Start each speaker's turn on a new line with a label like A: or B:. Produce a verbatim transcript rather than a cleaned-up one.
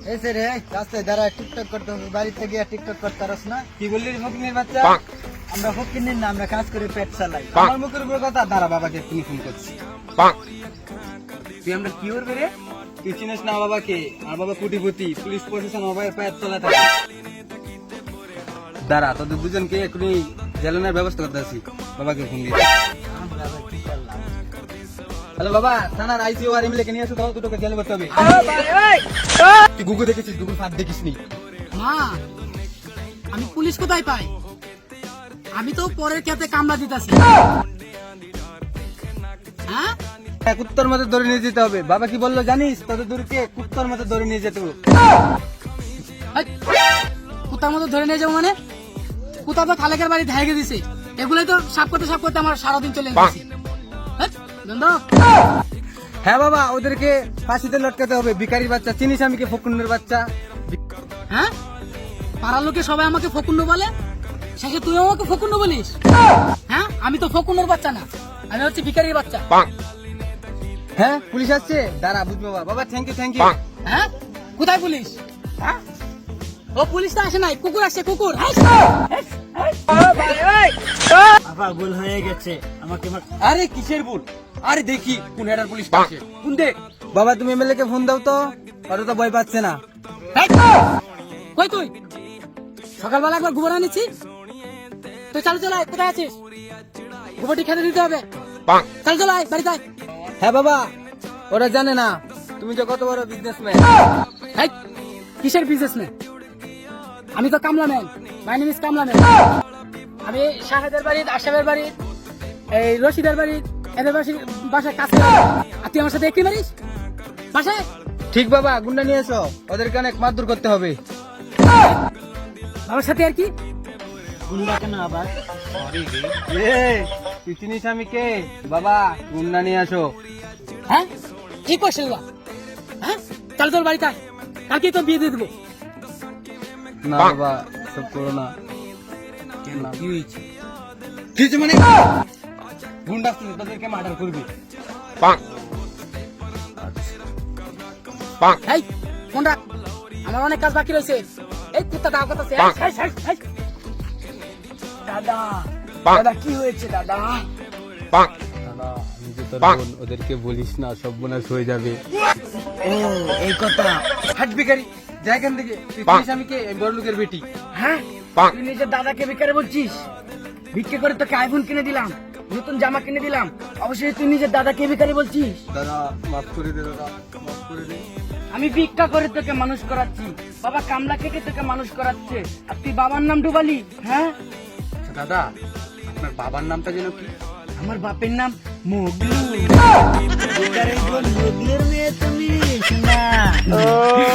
A: এসে রে রাস্তায় দাঁড়ায় টিকটক করতে হবে, বাড়িতে গিয়ে টিকটক করতে পারস না? কি বললি ফকিনের বাচ্চা? আমরা ফকিনের না, আমরা কাজ করে পেট চালাই। আমার মুখের উপর কথা। দাঁড়া, বাবাকে তুমি ফোন করছি। তুই আমরা কি করবে রে? তুই চিনিস না বাবাকে? আর বাবা কোটিপতি, পুলিশ প্রশাসন বাবার পেট চলা থাকে। দাঁড়া, তোদের দুজনকে এখনই জ্বালানোর ব্যবস্থা করতে আসি। বাবাকে ফোন দিয়ে। হ্যালো বাবা, থানার আইসিও আর এমএলএ কে নিয়ে আসো তো, দুটোকে জেলে ভরতে হবে। তুই গুগল দেখেছিস? গুগল ফাঁদ দেখিস নি?
B: মা, আমি পুলিশ কোথায় পাই? আমি তো পরের খেতে কামড়া দিতেছি। হ্যাঁ,
A: কুত্তর মতো ধরে নিয়ে যেতে হবে। বাবা কি বললো জানিস? তোদের দূরকে কুত্তর মতো ধরে নিয়ে যেতে হবে।
B: কুতার মতো ধরে নিয়ে যাবো মানে? কুতা তো খালেকের বাড়ি ধাইকে দিছে। এগুলোই তো সাপ করতে সাপ করতে আমার সারাদিন চলে গেছে।
A: হ্যাঁ বাবা, ওদেরকে ফাঁসিতে লটকাতে হবে। ভিখারির বাচ্চা, চিনিস আমি কে? ফকুন্নের বাচ্চা।
B: হ্যাঁ, পাড়ার লোকে সবাই আমাকে ফকুন্ড বলে, শেষে তুই আমাকে ফকুন্ড বলিস? হ্যাঁ, আমি তো ফকুন্ডর বাচ্চা না, আমি হচ্ছে ভিখারির বাচ্চা।
A: হ্যাঁ, পুলিশ আসছে, দাঁড়া বুঝবো। বাবা বাবা থ্যাংক ইউ থ্যাংক ইউ।
B: হ্যাঁ, কোথায় পুলিশ? হ্যাঁ, ও পুলিশ তো আসে নাই, কুকুর আসছে, কুকুর।
A: বাবা ভুল হয়ে গেছে, আমাকে। আরে কিসের ভুল? আরে দেখি কোন হেডার পুলিশ আসছে। কোন দেখ বাবা, তুমি এমএলএ কে ফোন দাও তো, ওরা তো ভয় পাচ্ছে না।
B: কই তুই? সকালবেলা একবার গোবর আনিছি, তুই চালু চলাই। কোথায় আছিস? গোবরটি খেতে দিতে হবে। চালু চলাই, বাড়ি যাই।
A: হ্যাঁ বাবা, ওরা জানে না তুমি যে কত বড় বিজনেসম্যান।
B: কিসের বিজনেসম্যান? আমি তো কামলাম্যান। My name is কামলাম্যান। আমি শাহেদের বাড়ি, আশাবের বাড়ি, এই রশিদের বাড়ি, এদের বাসায় কাছে। আর তুই আমার সাথে একই মারিস বাসায়?
A: ঠিক বাবা, গুন্ডা নিয়ে এসো, ওদেরকে অনেক মারধর করতে হবে।
B: আমার সাথে আর কি?
A: গুন্ডা কেন আবার? তুই চিনিস আমি কে? বাবা, গুন্ডা নিয়ে আসো।
B: হ্যাঁ, কি করছিস? হ্যাঁ, চল তোর বাড়িতে, কালকে তোর বিয়ে দিয়ে দেবো।
A: না বাবা, সব করো না। কেন, কি হয়েছে? কি হয়েছে মানে? গুন্ডা আসছে, তোদেরকে মার্ডার করবে।
B: এই ফোন রাখ, আমার অনেক কাজ বাকি রয়েছে। এই কুত্তা দাও কথা। দাদা দাদা কি হয়েছে দাদা?
A: দাদা, আমি যে তোর বোন, ওদেরকে বলিস না, সব বোনাস হয়ে যাবে।
B: ও, এই কথা।
A: হাট ভিখারি, যা এখান থেকে। তুই চিনিস আমি কে? বড় লোকের বেটি।
B: হ্যাঁ, তুই নিজের দাদাকে ভিখারি বলছিস? ভিক্ষে করে তোকে আইফোন কিনে দিলাম, নতুন জামা কিনে দিলাম, অবশ্যই তুই নিজের দাদাকে ভিখারি বলছিস?
A: দাদা মাফ করে দে, দাদা মাফ করে দে।
B: আমি ভিক্ষা করে তোকে মানুষ করাচ্ছি, বাবা কামলা খেটে তোকে মানুষ করাচ্ছে, আর তুই বাবার নাম ডুবালি? হ্যাঁ
A: দাদা, আপনার বাবার নামটা যেন কি?
B: আমার বাপের নাম মোগলু। মোগলের মেয়ে তুমি না।